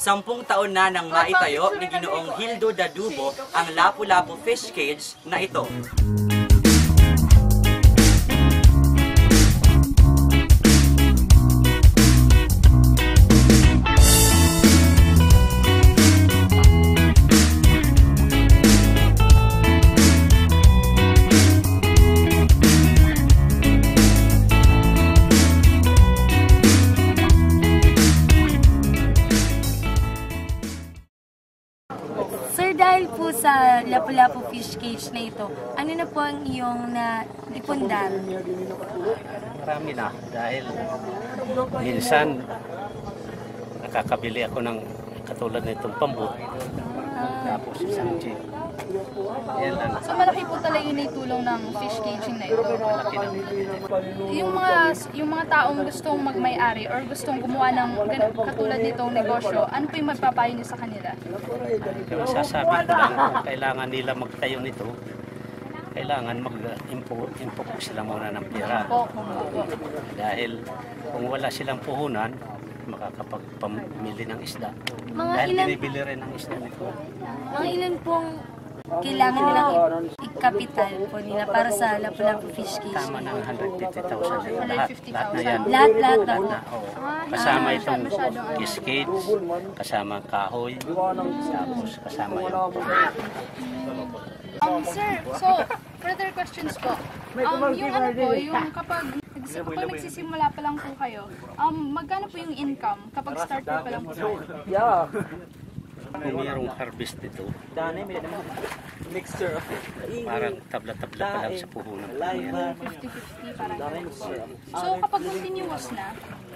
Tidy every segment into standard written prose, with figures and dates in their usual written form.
10 taon na nang maitayo ni Ginoong Hildo Dadubo ang Lapu-Lapu Fish Cage na ito. Sir, dahil po sa Lapu-Lapu Fish Cage na ito, ano na po ang iyong naipundar? Marami na, dahil minsan nakakabili ako ng katulad nitong pambut, tapos isang jeep. Yan lang. So malaki po talaga yung naitulong ng fish caging na ito. Malaki na. Yung mga taong gustong magmay-ari or gustong gumawa ng katulad nitong negosyo, ano po yung magpapayo niyo sa kanila? Kaya masasabi ko lang, kailangan nila magtayo nito. Kailangan mag-impok sila muna ng pera. Dahil kung wala silang puhunan, makakapagpamili ng isda. Dahil binibili rin ng isda nito. Mga ilan pong kailangan nilang ikapital po nila para sa Lapu-Lapu Fish Cage? Tama ng 150,000. Lahat na yan. Lahat na. Kasama itong fish cage, kasama kahoy, tapos kasama yung Sir, so further questions po. Yung ano po, yung kapag nagsisimula pa lang po kayo, magkano po yung income kapag start pa lang po kayo? kung mayroong harvest dito, parang tabla-tabla pa lang sa puhunan. 50-50 parang. So kapag continuous na,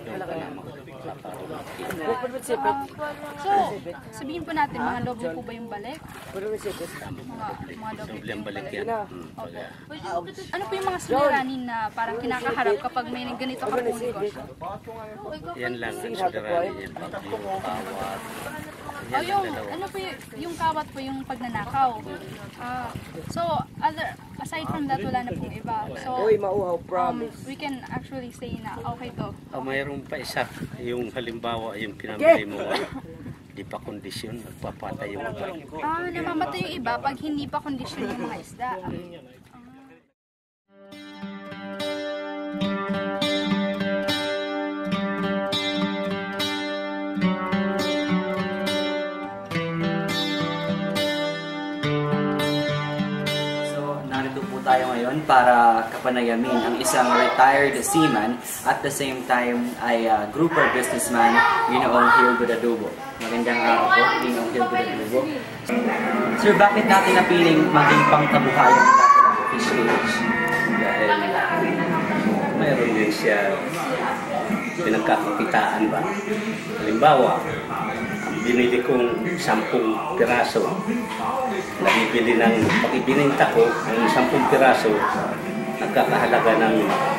so sabihin po natin, mga lobo po ba yung balik? Mga lobo. Doble ang balik yan. Ano po yung mga suliranin na parang kinakaharap kapag may ganito ka po negosyo? Yan lang, ang suliranin yan. Yung kawat. Ano po yung kawat po yung pagnanakaw. So aside from that, wala na pong iba. So we can actually say na okay to. Mayroon pa isa, yung halimbawa yung pinamili mo, di pa kondisyon, nagpapatay yung iba. Namamatay yung iba pag hindi pa kondisyon yung mga isda. Tayo ngayon para kapanayamin ang isang retired seaman at the same time ay grouper businessman, Ginoong Hildo Dadubo. Magandang araw po, Ginoong Hildo Dadubo. Sir, bakit natin napiling maging pangkabuhayan ng Lapu-Lapu Fish Cage? Dahil mayroon din siya pinagkakakitaan ba. Halimbawa, binili kong 10 piraso. Nabibili ng, pag ibininta ko, ng 10 piraso, nagkakahalaga ng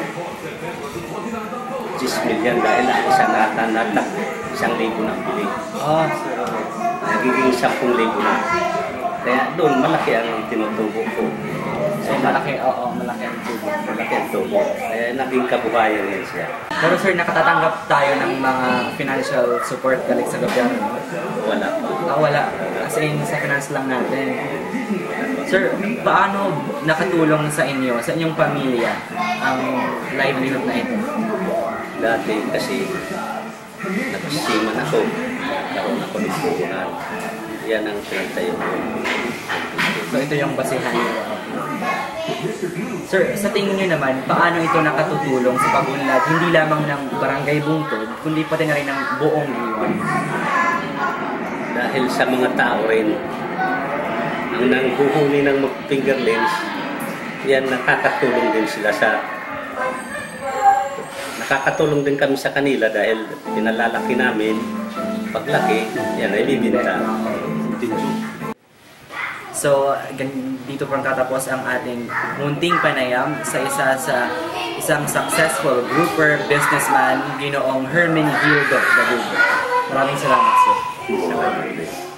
10 million dahil ang isang natak 1,000 na bili. Nagiging 10,000 na. Kaya doon, malaki ang tinutubo ko. So malaki ang tubo. Malaki ang tubo. Kaya naging kabuhayan yan siya. Pero sir, nakatatanggap tayo ng mga financial support galing sa gobyerno? Wala pa. Wala. Kasi sa finance lang natin. Sir, paano nakatulong sa inyo, sa inyong pamilya, ang livelihood na ito? Dati kasi nagsiman ako. Karoon ako ng puhunan. Yan ang pinagtayo ko. So ito yung basihan niyo. Sir, sa tingin niyo naman, paano ito nakatutulong sa pag-unlad hindi lamang ng Barangay Bungtod, kundi pati na rin ng buong Iwan? Dahil sa mga tao rin, ang nanghuhuli ng fingerlings, yan nakakatulong din sila nakakatulong din kami sa kanila dahil pinalalaki namin. Paglaki, yan ay bibinta. So, dito pang katapos ang ating munting panayam sa isang successful grouper businessman, Ginoong Hermin Hildo Dadubo. Maraming salamat, sir.